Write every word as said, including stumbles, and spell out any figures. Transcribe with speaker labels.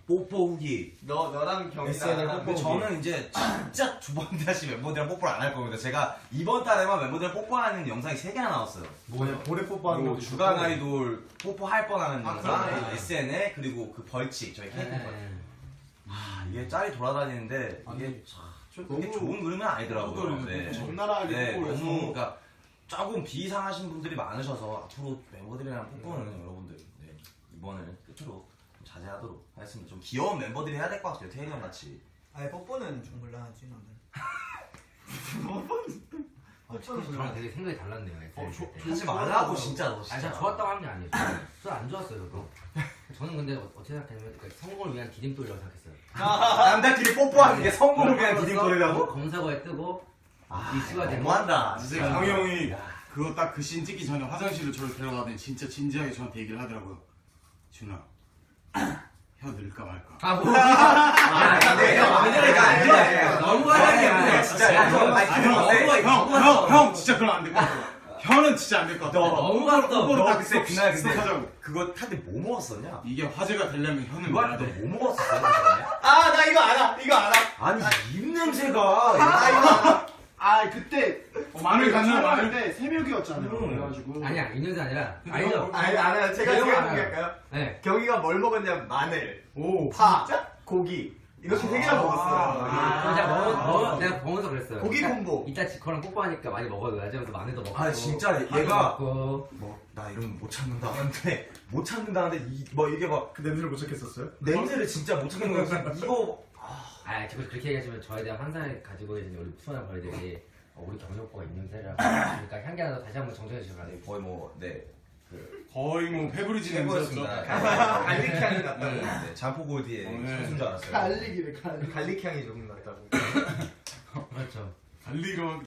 Speaker 1: 뽀뽀 후기.
Speaker 2: 너 너랑 경이랑
Speaker 1: 에스엔엘 뽀뽀 후기. 저는 이제 진짜 두 번 다시 멤버들이랑 뽀뽀를 안 할 겁니다. 제가 이번 달에만 멤버들이랑 뽀뽀하는 영상이 세 개나 나왔어요.
Speaker 3: 뭐냐 볼에 뽀뽀하는
Speaker 1: 뭐
Speaker 3: 것도
Speaker 1: 주간
Speaker 3: 있었고.
Speaker 1: 아이돌 뽀뽀할 뻔하는
Speaker 2: 아,
Speaker 1: 영상,
Speaker 2: 그러네.
Speaker 1: 에스엔엘 그리고 그 벌칙 저희 케이크 벌칙. 아 이게 짤이 돌아다니는데 이게 참 그게
Speaker 3: 너무-
Speaker 1: 좋은 그림은 아니더라고요. 네.
Speaker 3: 적나라하게
Speaker 1: 네,
Speaker 3: 뽀뽀를 해서
Speaker 1: 너무 그러니까 조금 비상하신 분들이 많으셔서 앞으로 멤버들이랑 뽀뽀는 여러분들 네, 이번을 끝으로 좀 자제하도록 하겠습니다. 좀 귀여운 멤버들이 해야 될 것 같아요. 태현이 형 같이.
Speaker 2: 아니 뽀뽀는 좀 곤란하지 너는.
Speaker 4: 어, 저랑 되게 생각이 달랐네요.
Speaker 3: 어, 저-
Speaker 4: 때.
Speaker 1: 하지 말라고 진짜 너
Speaker 4: 아니,
Speaker 1: 진짜.
Speaker 4: 제가 좋았다고 한 게 아니에요. 저는 안 좋았어요, 저도. 저는 근데 어떻게 생각했냐면 그러니까 성공을 위한 디딤돌이라고 생각했어요.
Speaker 1: 남자끼리 뽀뽀하는 게 성공을 위한
Speaker 4: 그래서
Speaker 1: 디딤돌이라고?
Speaker 4: 검사고에 뜨고
Speaker 1: 아
Speaker 4: 이슈가 되고
Speaker 1: 너무한다.
Speaker 3: 진짜 강희 형이 그거 딱 그 씬 찍기 전에 화장실로 저를 데려가더니 진짜 진지하게 저한테 얘기를 하더라고요. 준아, 혀 늘까 말까.
Speaker 4: 아 뭐? 아
Speaker 1: 근데 형,
Speaker 4: 왜냐면
Speaker 1: 아니, 아니, 아니,
Speaker 4: 너무 하는
Speaker 1: 아니,
Speaker 4: 게
Speaker 1: 진짜 형, 아니,
Speaker 3: 아니,
Speaker 1: 형,
Speaker 3: 형,
Speaker 1: 근데
Speaker 3: 형, 형, 형, 진짜 그럼 안 될 것 같아. 혀는 진짜 안 될 것 같아.
Speaker 4: 너무 갔다.
Speaker 3: 뽀뽀로
Speaker 1: 너
Speaker 3: 딱
Speaker 1: 그때
Speaker 3: 스톱,
Speaker 1: 그날 근데
Speaker 3: 스톱하자고.
Speaker 1: 그거 탈 때 뭐 먹었었냐?
Speaker 3: 이게 화제가 되려면 혀는
Speaker 1: 그거
Speaker 3: 내야
Speaker 1: 할때
Speaker 3: 돼.
Speaker 1: 뭐 먹었어? 그 전에?
Speaker 2: 아 나 이거 알아. 이거 알아.
Speaker 1: 아니 입 냄새가.
Speaker 2: 아 이거 알아.
Speaker 5: 아 그때
Speaker 3: 어, 마늘 간장 마늘.
Speaker 5: 때 새벽이었잖아요.
Speaker 1: 음.
Speaker 5: 그래가지고
Speaker 4: 아니야 이년이 아니라 알죠?
Speaker 2: 아니 알아요. 제가
Speaker 4: 내용
Speaker 2: 제가
Speaker 4: 알아요.
Speaker 2: 공개할까요?
Speaker 4: 네.
Speaker 2: 경이가 뭘 먹었냐면 마늘,
Speaker 3: 오.
Speaker 2: 파, 고기 이렇게 세 개나 먹었어요.
Speaker 4: 아, 제가 먹어, 먹어, 내가 먹어서 그랬어요.
Speaker 2: 고기
Speaker 4: 그러니까
Speaker 2: 콤보.
Speaker 4: 이따 지커랑 뽀뽀하니까 많이 먹어야지. 그래서 마늘도 먹고.
Speaker 1: 아, 진짜 얘가-
Speaker 4: 파도 먹고.
Speaker 1: 뭐 나 이러면 못 참는다 하는데 못 참는다는데 이, 뭐 이게 막
Speaker 3: 그 냄새를 못 찾겠었어요?
Speaker 1: 냄새를 진짜 못 참는 거야. 이거
Speaker 4: 아, 자꾸 그렇게 얘기하시면 저에 대한 환상을 가지고 계신 우리 푸근한 벌들이 어, 우리 경희 오빠가 있는 세라고. 그러니까 향기 하나 더 다시 한번 정정해 주시면 안 돼요.
Speaker 1: 거의 뭐네
Speaker 3: 거의 뭐 페브리지 냄새였죠.
Speaker 2: 갈릭 향이 났다고.
Speaker 1: 네, 잠포골드의
Speaker 3: 어, 네.
Speaker 1: 선수인 줄 알았어요.
Speaker 5: 갈릭이래 갈릭.
Speaker 2: 갈릭 향이 조금 났다고.
Speaker 4: 그렇죠.
Speaker 3: 달리기로